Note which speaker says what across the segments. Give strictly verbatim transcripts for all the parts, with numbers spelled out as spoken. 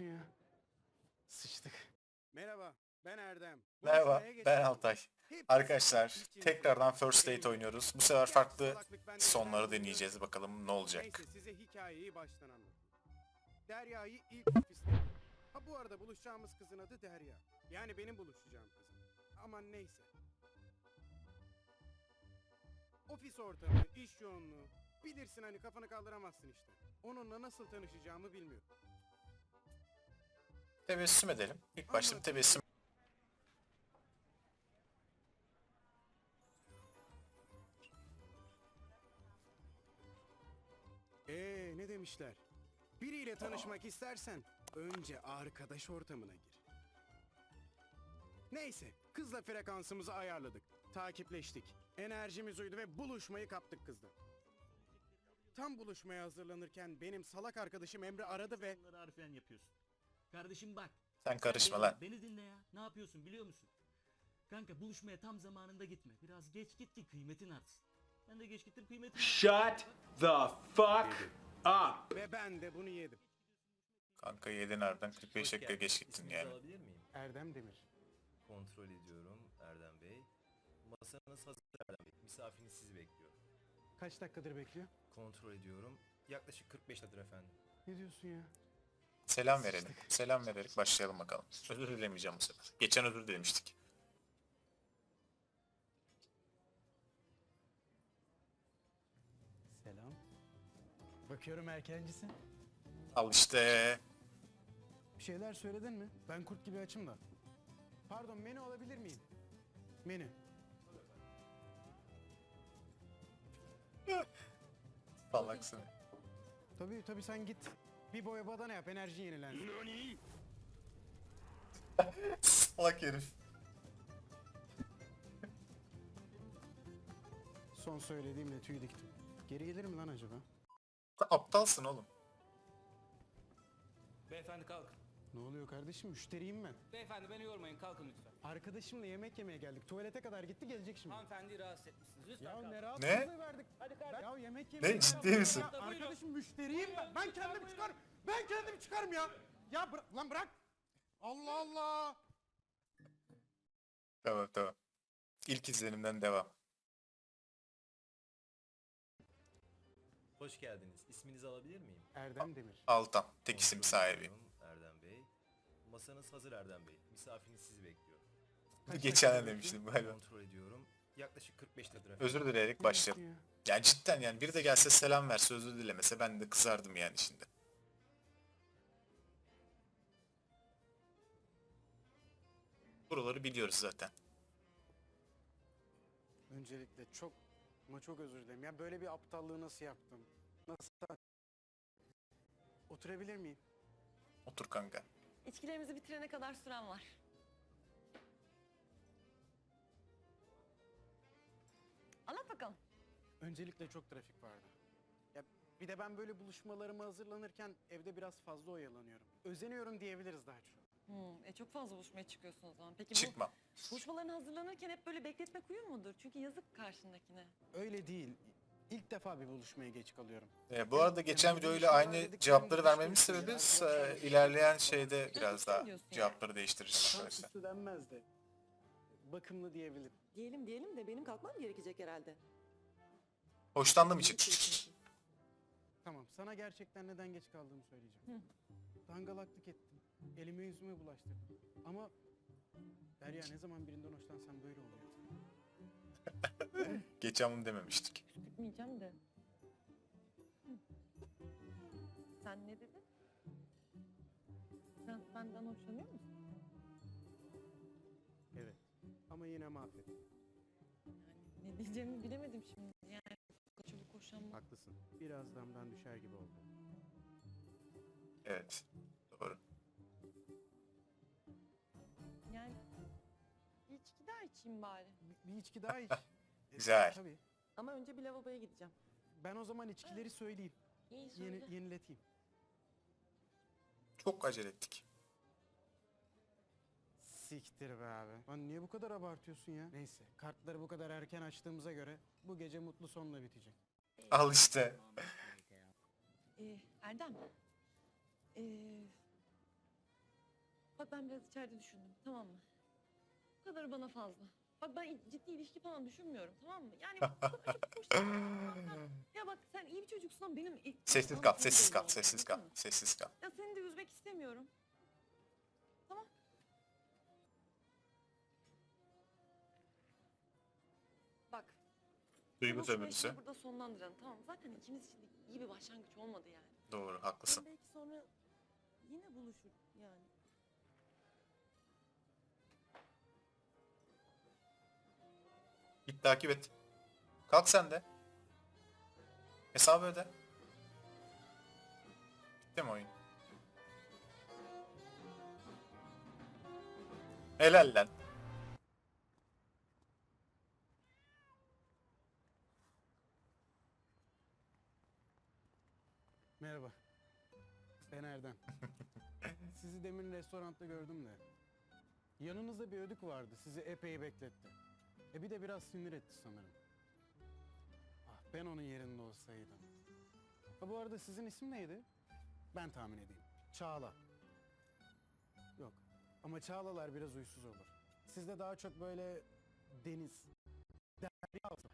Speaker 1: diyorsun ya? Sıçtık. Merhaba, ben Erdem.
Speaker 2: Merhaba,
Speaker 1: Buluşmaya geç
Speaker 2: ben
Speaker 1: kaldım.
Speaker 2: Altay.
Speaker 1: Hep
Speaker 2: Arkadaşlar
Speaker 1: içinizi
Speaker 2: tekrardan First Date
Speaker 1: emin olun.
Speaker 2: oynuyoruz. Bu sefer
Speaker 1: Gerçi
Speaker 2: farklı
Speaker 1: salaklık bende
Speaker 2: sonları
Speaker 1: neden
Speaker 2: deneyeceğiz.
Speaker 1: bilmiyorum.
Speaker 2: Bakalım ne olacak.
Speaker 1: Neyse size hikayeyi baştan anlatayım. Derya'yı ilk ofiste. Ha bu arada buluşacağımız kızın adı Derya. Yani benim buluşacağım kızım. Aman neyse. Ofis ortamı, iş yoğunluğu. Bilirsin hani kafanı kaldıramazsın işte. Onunla nasıl tanışacağımı bilmiyorum.
Speaker 2: Tebessüm edelim. İlk başta bir tebessüm.
Speaker 1: Ee ne demişler? Biriyle tanışmak istersen önce arkadaş ortamına gir. Neyse, kızla frekansımızı ayarladık. Takipleştik. Enerjimiz uydu ve buluşmayı kaptık kızla. Tam buluşmaya hazırlanırken benim salak arkadaşım Emre aradı ve...
Speaker 3: Bunları harfiyen yapıyorsun. Kardeşim bak.
Speaker 2: Sen karışma
Speaker 3: beni,
Speaker 2: lan.
Speaker 3: Beni dinle ya. Ne yapıyorsun biliyor musun? Kanka buluşmaya tam zamanında gitme. Biraz geç git ki kıymetin artsın. Ben de geç gittim kıymetin artsın.
Speaker 4: Shut the fuck up.
Speaker 1: Ve ben de bunu yedim.
Speaker 2: Kanka yedin harbiden kırk beş dakika geç gittin
Speaker 5: İsminizi
Speaker 2: yani.
Speaker 5: alabilir miyim?
Speaker 1: Erdem Demir.
Speaker 5: Kontrol ediyorum Erdem Bey. Masanız hazır Erdem Bey. Misafiriniz sizi bekliyor.
Speaker 1: Kaç dakikadır bekliyor?
Speaker 5: Kontrol ediyorum. Yaklaşık kırk beş dakikadır efendim.
Speaker 1: Ne diyorsun ya?
Speaker 2: Selam verelim. Selam vererek başlayalım bakalım. Özür dilemeyeceğim bu sefer. Geçen özür dilemiştik.
Speaker 1: Selam. Bakıyorum erkencisin.
Speaker 2: Al işte.
Speaker 1: Bir şeyler söyledin mi? Ben kurt gibi açım da. Pardon, menü alabilir miyim? Menü.
Speaker 2: Salaksın.
Speaker 1: Tabii tabii sen git. Bir boya badana yap, enerji yenilensin.
Speaker 2: Salak herif.
Speaker 1: Son söylediğimle tüy diktim. Geri gelir mi lan acaba?
Speaker 2: Aptalsın oğlum.
Speaker 6: Beyefendi kalkın.
Speaker 1: Ne oluyor kardeşim? Müşteriyim ben.
Speaker 6: Beyefendi beni yormayın, kalkın lütfen.
Speaker 1: Arkadaşımla yemek yemeye geldik. Tuvalete kadar gitti, gelecek şimdi.
Speaker 6: Hanımefendiyi rahatsız etmişsiniz. Lütfen
Speaker 1: Ya
Speaker 6: kalkın.
Speaker 1: ne
Speaker 2: Ne?
Speaker 1: rahatsızlığı verdik.
Speaker 6: Hadi kardeşim.
Speaker 1: Ya yemek yemeye
Speaker 2: Ne, ciddi
Speaker 1: geldik.
Speaker 2: misin?
Speaker 1: Ya
Speaker 6: Buyurun.
Speaker 1: arkadaşım müşteriyim ben. Ben kendim çıkarım. Ben kendim çıkarım ya. Ya bıra- lan bırak. Allah Allah.
Speaker 2: Tamam tamam. İlk izlenimden devam.
Speaker 5: Hoş geldiniz. İsminizi alabilir miyim?
Speaker 1: Erdem Demir.
Speaker 2: Altan. Tek isim
Speaker 5: Kontrol
Speaker 2: sahibi.
Speaker 5: ediyorum Erdem Bey. Masanız hazır Erdem Bey. Misafiriniz sizi bekliyor.
Speaker 1: Kaç
Speaker 2: Geçen
Speaker 1: dakika
Speaker 2: de demiştim galiba.
Speaker 5: Kontrol ediyorum. Yaklaşık kırk beş dakikadır efendim.
Speaker 2: Özür dileyerek başlayalım.
Speaker 1: Ya.
Speaker 2: Yani cidden yani biri de gelse selam verse özür dilemese ben de kızardım yani şimdi. Buraları biliyoruz zaten.
Speaker 1: Öncelikle çok ama çok özür dilerim. Ya böyle bir aptallığı nasıl yaptım? Nasıl? Oturabilir miyim?
Speaker 2: Otur kanka.
Speaker 7: İçkilerimizi bitirene kadar süren var. Anlat bakalım.
Speaker 1: Öncelikle çok trafik vardı. Ya bir de ben böyle buluşmalarıma hazırlanırken evde biraz fazla oyalanıyorum. Özeniyorum diyebiliriz daha çok.
Speaker 7: Hmm, e çok fazla buluşmaya çıkıyorsun o zaman. Peki
Speaker 2: Çıkmam.
Speaker 7: bu buluşmalarına hazırlanırken hep böyle bekletmek uyum mudur? Çünkü yazık karşındakine.
Speaker 1: Öyle değil. İlk defa bir buluşmaya geç kalıyorum.
Speaker 2: Ee, bu arada geçen videoyla aynı cevapları vermemin sebebi e, ilerleyen şeyde biraz daha cevapları değiştireceğiz
Speaker 1: Tam
Speaker 2: arkadaşlar.
Speaker 1: süslü denmez de. Bakımlı diyebilirim.
Speaker 7: Diyelim diyelim de benim kalkmam gerekecek herhalde.
Speaker 2: Hoşlandım için.
Speaker 1: Tamam, sana gerçekten neden geç kaldığımı söyleyeceğim. Dangalaklık ettim. Elime yüzüme bulaştırdım. Ama Derya ne zaman birinden hoşlansam böyle oluyor.
Speaker 2: Geçen bunu dememiştik.
Speaker 7: Gitmeyeceğim de. Hı. Sen ne dedin? Sen benden hoşlanıyor musun?
Speaker 1: Evet. Ama yine mahvettim.
Speaker 7: Yani ne diyeceğimi bilemedim şimdi. Yani çabuk hoşlanma.
Speaker 1: Haklısın. Biraz damdan düşer gibi oldu.
Speaker 2: Evet. Doğru.
Speaker 7: Yani bir içki daha içeyim bari.
Speaker 1: Bir, bir içki daha iç. E,
Speaker 2: Güzel.
Speaker 1: Tabii.
Speaker 7: Ama önce bir lavaboya gideceğim.
Speaker 1: Ben o zaman içkileri söyleyeyim.
Speaker 7: İyi söyle.
Speaker 1: Yeni, yenileteyim.
Speaker 2: Çok acele ettik.
Speaker 1: Siktir be abi. Lan niye bu kadar abartıyorsun ya? Neyse. Kartları bu kadar erken açtığımıza göre bu gece mutlu sonla bitecek.
Speaker 2: Al işte.
Speaker 7: Ee, Erdem. Ee, Bak ben biraz içeride düşündüm, tamam mı? Bu kadarı bana fazla. Bak ben ciddi ilişki falan düşünmüyorum, tamam mı? Yani bu kadar çok hoşlanıyorum. Ya bak sen iyi bir çocuksun ama benim... ilk-
Speaker 2: Sessiz
Speaker 7: ilk
Speaker 2: kal,
Speaker 7: sana
Speaker 2: sessiz
Speaker 7: belli
Speaker 2: kal,
Speaker 7: oldu,
Speaker 2: sessiz kal,
Speaker 7: anladın mı?
Speaker 2: sessiz kal.
Speaker 7: Ya seni de üzmek istemiyorum. Tamam. Bak.
Speaker 2: Duygu
Speaker 7: Bunu
Speaker 2: sömürüsü.
Speaker 7: süreçte burada sonlandıralım, tamam mı? Zaten ikimiz için de iyi bir başlangıç olmadı yani.
Speaker 2: Doğru, haklısın.
Speaker 7: Belki sonra yine buluşur yani.
Speaker 2: Git takip et. Kalk sen de. Hesabı öde. Bitti mi oyun? Helal lan.
Speaker 1: Merhaba. Ben Erdem. Sizi demin restoranda gördüm de. Yanınızda bir ödük vardı. Sizi epey bekletti. E bir de biraz sinir etti sanırım. Ah ben onun yerinde olsaydım. Ha bu arada sizin isim neydi? Ben tahmin edeyim. Çağla. Yok. Ama Çağlalar biraz uysuz olur. Sizde daha çok böyle deniz, derya var.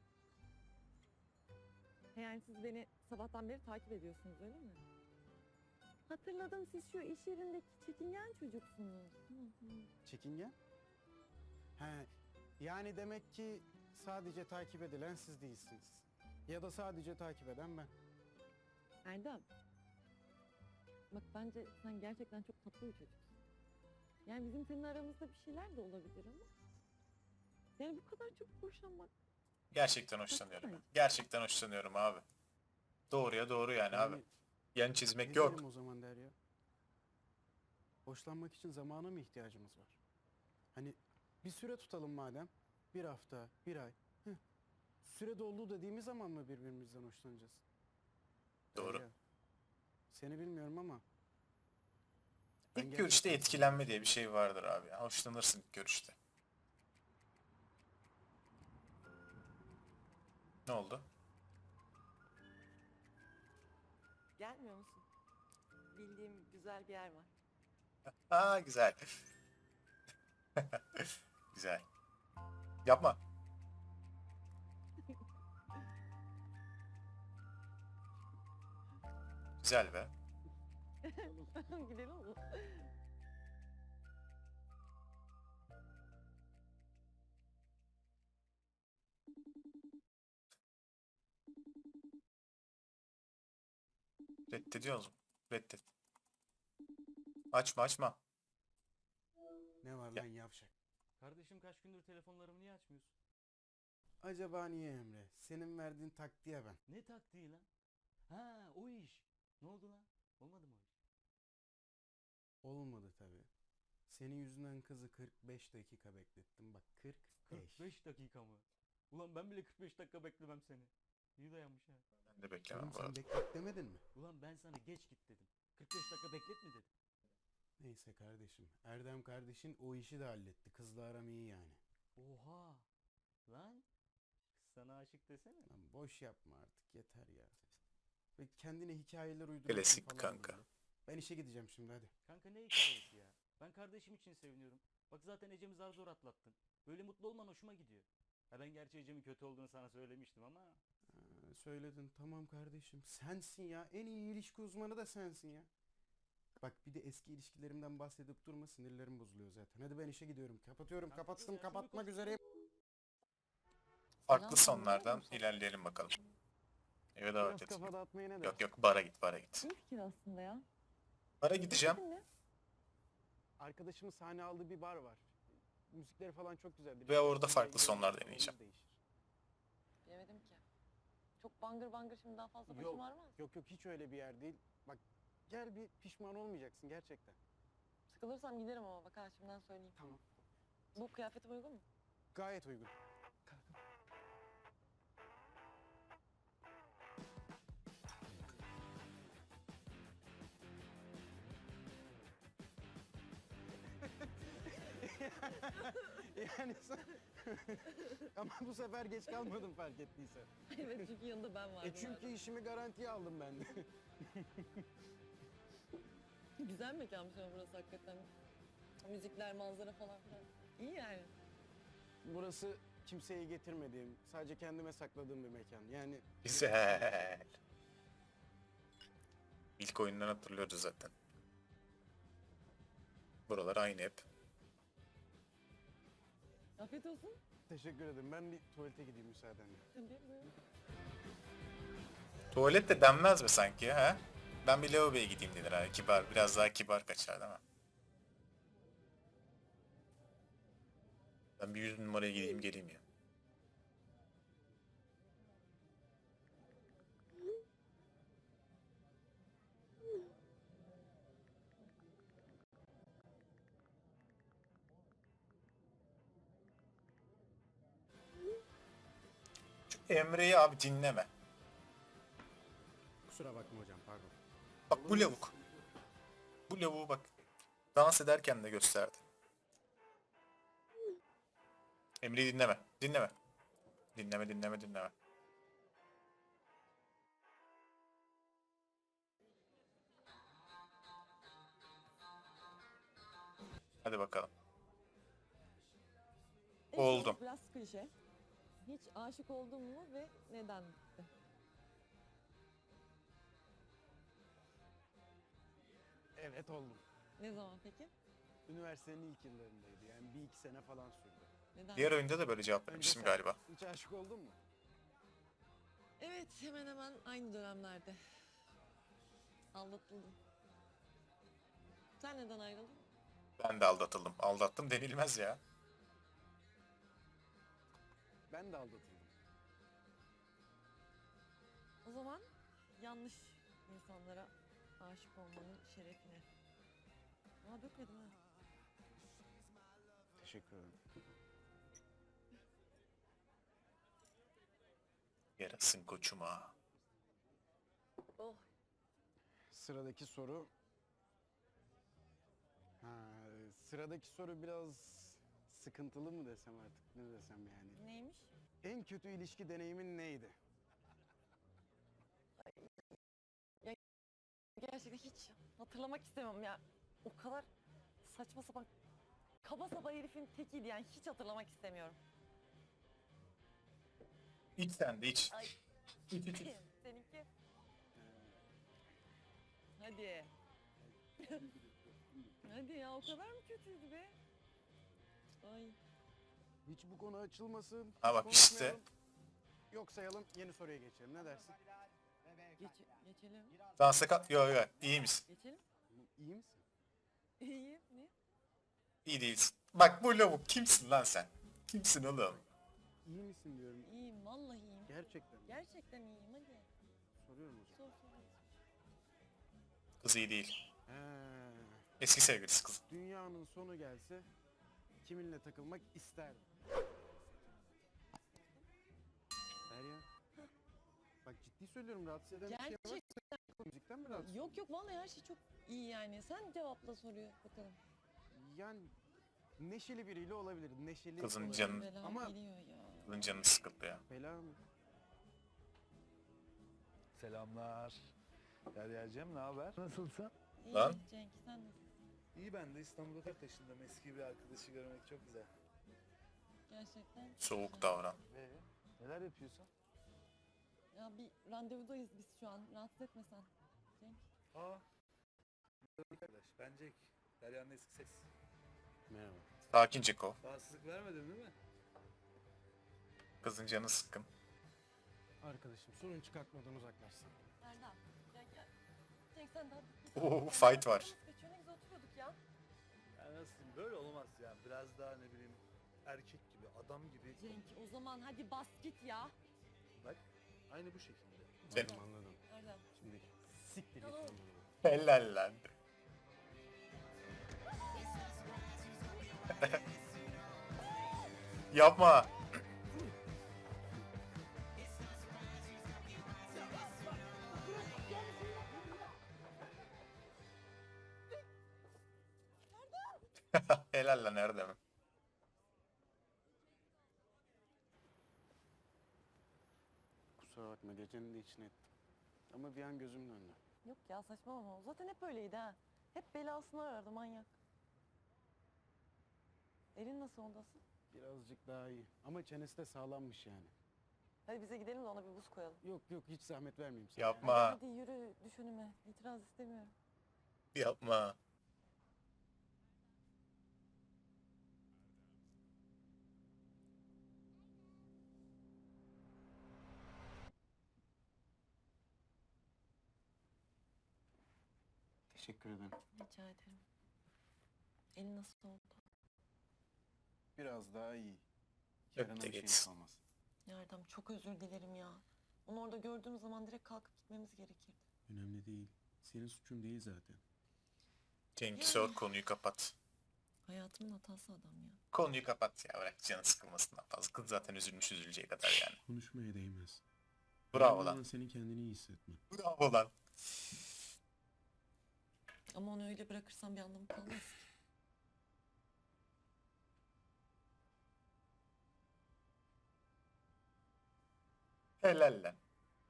Speaker 7: Yani siz beni sabahtan beri takip ediyorsunuz öyle mi? Hatırladım siz şu iş yerindeki çekingen çocuksunuz. Hı hı.
Speaker 1: Çekingen? He, yani demek ki sadece takip edilen siz değilsiniz. Ya da sadece takip eden ben.
Speaker 7: Erdem. Bak bence sen gerçekten çok tatlı bir çocuksun. Yani bizim senin aramızda bir şeyler de olabilir ama. Yani bu kadar çok hoşlanmak.
Speaker 2: Gerçekten hoşlanıyorum. Gerçekten hoşlanıyorum abi. Doğruya doğru yani abi. Yan çizmek
Speaker 1: ne
Speaker 2: yok.
Speaker 1: diyelim o zaman Derya? Hoşlanmak için zamana mı ihtiyacımız var? Hani bir süre tutalım madem. Bir hafta, bir ay. Heh. Süre doldu dediğimiz zaman mı birbirimizden hoşlanacağız?
Speaker 2: Doğru.
Speaker 1: Derya, seni bilmiyorum ama ben
Speaker 2: İlk görüşte
Speaker 1: gerçekten
Speaker 2: etkilenme diye bir şey vardır abi. Ya. Hoşlanırsın ilk görüşte. Ne oldu?
Speaker 7: Gelmiyor musun? Bildiğim güzel bir yer var.
Speaker 2: Aa güzel. Güzel. Yapma. Güzel be.
Speaker 7: Gidelim mi?
Speaker 2: Reddediyor musun? Reddet. Açma açma.
Speaker 1: ne var
Speaker 2: Ya.
Speaker 1: lan yavşak?
Speaker 3: Kardeşim kaç gündür telefonlarımı niye açmıyorsun?
Speaker 1: Acaba niye Emre? Senin verdiğin taktiğe ben.
Speaker 3: Ne taktiği lan? Ha o iş. Ne oldu lan? Olmadı mı o iş?
Speaker 1: Olmadı tabii. Senin yüzünden kızı kırk beş dakika beklettim. Bak kırk beş.
Speaker 3: kırk beş dakika mı? Ulan ben bile kırk beş dakika beklemem seni. İyi dayanmış ha.
Speaker 2: Ben de beklemem
Speaker 1: Oğlum
Speaker 2: bu
Speaker 1: sen
Speaker 2: arada.
Speaker 1: beklet demedin mi?
Speaker 3: Ulan ben sana geç git dedim. kırk beş dakika beklet mi dedim.
Speaker 1: Neyse kardeşim. Erdem kardeşin o işi de halletti. Kızla aram iyi yani.
Speaker 3: Oha. Lan. Kız sana aşık desene.
Speaker 1: Lan boş yapma artık yeter ya. Ve kendine hikayeler uyduruyorsun
Speaker 2: Klasik
Speaker 1: falan
Speaker 2: kanka.
Speaker 1: böyle. Ben işe gideceğim şimdi hadi.
Speaker 3: Kanka ne hikayesi ya? Ben kardeşim için seviniyorum. Bak zaten Ecem'i zar zor atlattın. Böyle mutlu olman hoşuma gidiyor. Ha ben gerçi Ecem'in kötü olduğunu sana söylemiştim ama.
Speaker 1: Ha, söyledin tamam kardeşim. Sensin ya. En iyi ilişki uzmanı da sensin ya. Bak bir de eski ilişkilerimden bahsedip durma, sinirlerim bozuluyor zaten. Hadi ben işe gidiyorum. Kapatıyorum.
Speaker 3: Kanka,
Speaker 1: Kapattım.
Speaker 3: ya,
Speaker 1: Kapatmak
Speaker 3: şimdi
Speaker 1: üzereyim.
Speaker 2: Farklı
Speaker 7: Selam,
Speaker 2: sonlardan
Speaker 7: selam.
Speaker 2: ilerleyelim bakalım. Eve
Speaker 1: Biraz
Speaker 2: davet et.
Speaker 1: kafa dağıtmaya ne
Speaker 2: Yok
Speaker 1: dersin?
Speaker 2: yok bara git bara git.
Speaker 7: İyi fikir aslında ya.
Speaker 2: Bara gideceğim.
Speaker 7: Ne?
Speaker 1: Arkadaşımın sahne aldığı bir bar var. Müzikleri falan çok güzeldir.
Speaker 2: Ve orada
Speaker 1: Şimdi
Speaker 2: farklı
Speaker 1: gidelim,
Speaker 2: sonlar
Speaker 1: havamız
Speaker 2: deneyeceğim.
Speaker 1: değişir.
Speaker 7: Bilemedim ki. Çok bangır bangır şimdi daha fazla başım
Speaker 1: Yok,
Speaker 7: ağrımaz.
Speaker 1: yok yok hiç öyle bir yer değil. Bak gel bir pişman olmayacaksın gerçekten.
Speaker 7: Sıkılırsam giderim ama bak ha şimdiden söyleyeyim.
Speaker 1: Tamam.
Speaker 7: Bu kıyafetim uygun mu?
Speaker 1: Gayet uygun. yani sen... Ama bu sefer geç kalmadım fark ettiysen.
Speaker 7: Evet çünkü yanında ben vardım.
Speaker 1: E çünkü işimi garantiye aldım ben de.
Speaker 7: Güzel mekanmış ama burası hakikaten. Müzikler, manzara falan filan. İyi yani.
Speaker 1: Burası kimseyi getirmediğim, sadece kendime sakladığım bir mekan. Yani
Speaker 2: Güzel. İlk oyundan hatırlıyoruz zaten. Buralar aynı hep.
Speaker 7: Afiyet olsun.
Speaker 1: teşekkür ederim. Ben bir tuvalete gideyim müsaadenle.
Speaker 7: Tabii buyurun.
Speaker 2: Tuvalet de denmez mi sanki ha? Ben bir lavaboya gideyim denir ha. Kibar, biraz daha kibar kaçar değil mi? Ben bir yüz numaraya gideyim geleyim ya. Şu Emre'yi abi dinleme.
Speaker 1: Kusura bakma hocam, pardon.
Speaker 2: Bak bu lavuk. Bu lavuğu bak. Dans ederken de gösterdi. Emre'yi dinleme. Dinleme. Dinleme dinleme dinleme. Hadi bakalım.
Speaker 7: Evet,
Speaker 2: Oldum.
Speaker 7: Biraz klişe. Hiç aşık oldun mu ve neden bitti?
Speaker 1: Evet oldum.
Speaker 7: Ne zaman peki?
Speaker 1: Üniversitenin ilk yıllarındaydı. Yani bir iki sene falan sürdü.
Speaker 7: Neden?
Speaker 2: Diğer oyunda da böyle cevap
Speaker 1: Önce
Speaker 2: vermiştim
Speaker 1: sen
Speaker 2: galiba.
Speaker 1: hiç aşık oldun mu?
Speaker 7: Evet, hemen hemen aynı dönemlerde. Aldatıldım. Sen neden ayrıldın?
Speaker 2: Ben de aldatıldım. Aldattım denilmez ya.
Speaker 1: Ben de aldatıldım.
Speaker 7: O zaman yanlış insanlara aşık olmanın şerefine. Aa dökmedim ha.
Speaker 1: Teşekkür ederim.
Speaker 2: Yarasın koçuma.
Speaker 7: Oh.
Speaker 1: Sıradaki soru... Ha, sıradaki soru biraz sıkıntılı mı desem artık, ne desem yani.
Speaker 7: Neymiş?
Speaker 1: En kötü ilişki deneyimin neydi?
Speaker 7: Gerçekten hiç hatırlamak istemem ya. O kadar saçma sapan kaba saba herifin tekiydi yani hiç hatırlamak istemiyorum.
Speaker 2: İç sen de iç.
Speaker 7: Ay.
Speaker 2: İç iç iç.
Speaker 7: Seninki? Hadi. Hadi ya o kadar mı kötüydü be? Ay.
Speaker 1: Hiç bu konu açılmasın.
Speaker 2: Ha bak
Speaker 1: konuşmayalım.
Speaker 2: işte.
Speaker 1: Yok sayalım, yeni soruya geçelim. Ne dersin?
Speaker 7: Geç, geçelim.
Speaker 2: Dansa kal... Yo yo iyi misin?
Speaker 7: Geçelim.
Speaker 1: İyi misin?
Speaker 7: İyi. Ne?
Speaker 2: İyi değilsin. Bak bu lavuk kimsin lan sen? Kimsin oğlum?
Speaker 1: İyi misin diyorum.
Speaker 7: İyiyim vallahi iyiyim.
Speaker 1: Gerçekten. mi?
Speaker 7: Gerçekten iyiyim hadi.
Speaker 1: Soruyorum hocam.
Speaker 7: Sor sor.
Speaker 2: Kız iyi değil.
Speaker 1: He,
Speaker 2: Eski sevgilisi kız.
Speaker 1: dünyanın sonu gelse kiminle takılmak isterdim? Derya. Bak ciddi söylüyorum, rahatsız eden bir şey var.
Speaker 7: Gerçekten.
Speaker 1: Müzikten mi rahatsız?
Speaker 7: Yok yok vallahi her şey çok iyi yani. Sen cevapla soruyor bakalım.
Speaker 1: Yani neşeli biriyle olabilir. Neşeli
Speaker 2: Kızın
Speaker 1: olabilir.
Speaker 2: canı-
Speaker 7: Bela
Speaker 1: Ama-
Speaker 7: geliyor ya.
Speaker 2: Kızın canı sıkıldı ya.
Speaker 1: Bela mı?
Speaker 8: Selamlar. Derya'cığım ne haber? Nasılsın?
Speaker 7: İyi
Speaker 2: Lan.
Speaker 7: Cenk sen nasılsın?
Speaker 8: İyi ben de İstanbul'a tek taşındım. Eski bir arkadaşı görmek çok güzel.
Speaker 7: Gerçekten.
Speaker 2: Soğuk
Speaker 7: güzel.
Speaker 2: davran.
Speaker 8: Ee, neler yapıyorsun?
Speaker 7: Ya bir randevudayız biz şu an. Rahatsız etme sen. Cenk.
Speaker 8: Aa. Arkadaş ben Cenk. Derya'nın eski ses.
Speaker 1: Merhaba.
Speaker 2: Sakin Ceko.
Speaker 8: Rahatsızlık vermedin değil mi?
Speaker 2: Kızın canı sıkkın.
Speaker 1: Arkadaşım sorun çıkartmadan uzaklaşsın.
Speaker 7: Erdem. Cenk gel. Cenk sen daha...
Speaker 2: Oo, fight var.
Speaker 7: Geçiyor ne güzel oturuyorduk ya.
Speaker 8: Ya nasıl böyle olmaz yani. Biraz daha ne bileyim erkek gibi, adam gibi.
Speaker 7: Cenk o zaman hadi bas git ya.
Speaker 8: Bak aynı bu şekilde.
Speaker 2: Sen-
Speaker 1: Anladım anladım.
Speaker 7: Erdem.
Speaker 1: Şimdi siktir git.
Speaker 7: Tamam.
Speaker 1: lan.
Speaker 2: Helal lan. Yapma. Helal lan Erdem.
Speaker 1: Kusura bakma, gecenin de içine ettim. Ama bir an gözüm döndü.
Speaker 7: Yok ya saçmalama. O zaten hep öyleydi ha. Hep belasını arardı manyak. Elin nasıl ondasın?
Speaker 1: Birazcık daha iyi. Ama çenesi de sağlammış yani.
Speaker 7: Hadi bize gidelim de ona bir buz koyalım.
Speaker 1: Yok yok hiç zahmet vermeyeyim sana.
Speaker 2: Yapma.
Speaker 7: Hadi yürü düş önüme. İtiraz istemiyorum.
Speaker 2: Yapma.
Speaker 1: Teşekkür ederim.
Speaker 7: Rica ederim. Elin nasıl oldu?
Speaker 1: Biraz daha iyi.
Speaker 2: Öp
Speaker 1: Yarına
Speaker 2: de
Speaker 1: bir şey
Speaker 2: geç.
Speaker 1: olmaz.
Speaker 7: Erdem çok özür dilerim ya. Onu orada gördüğüm zaman direkt kalkıp gitmemiz gerekirdi.
Speaker 1: Önemli değil. Senin suçun değil zaten.
Speaker 2: Cenk sor, konuyu kapat.
Speaker 7: Hayatımın hatası adam ya.
Speaker 2: Konuyu kapat ya, bırak canı sıkılmasından fazla. Kız zaten üzülmüş üzüleceği kadar yani.
Speaker 1: Konuşmaya değmez.
Speaker 2: Bravo
Speaker 1: Önemli
Speaker 2: lan.
Speaker 1: olan senin kendini iyi hissetmen.
Speaker 2: Bravo lan.
Speaker 7: Ama onu öyle bırakırsam bir anlamı kalmaz ki.
Speaker 2: Helal lan.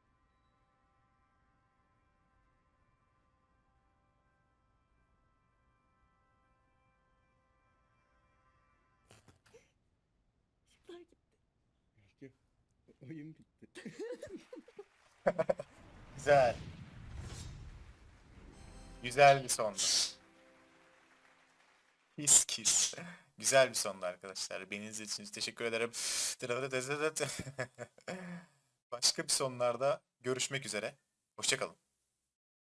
Speaker 7: Işıklar gitti.
Speaker 1: Oyun bitti.
Speaker 2: Güzel. Güzel bir sondu. Kiss kiss. Güzel bir sondu arkadaşlar. Beni izlediğiniz için teşekkür ederim. Başka bir sonlarda görüşmek üzere. Hoşça kalın.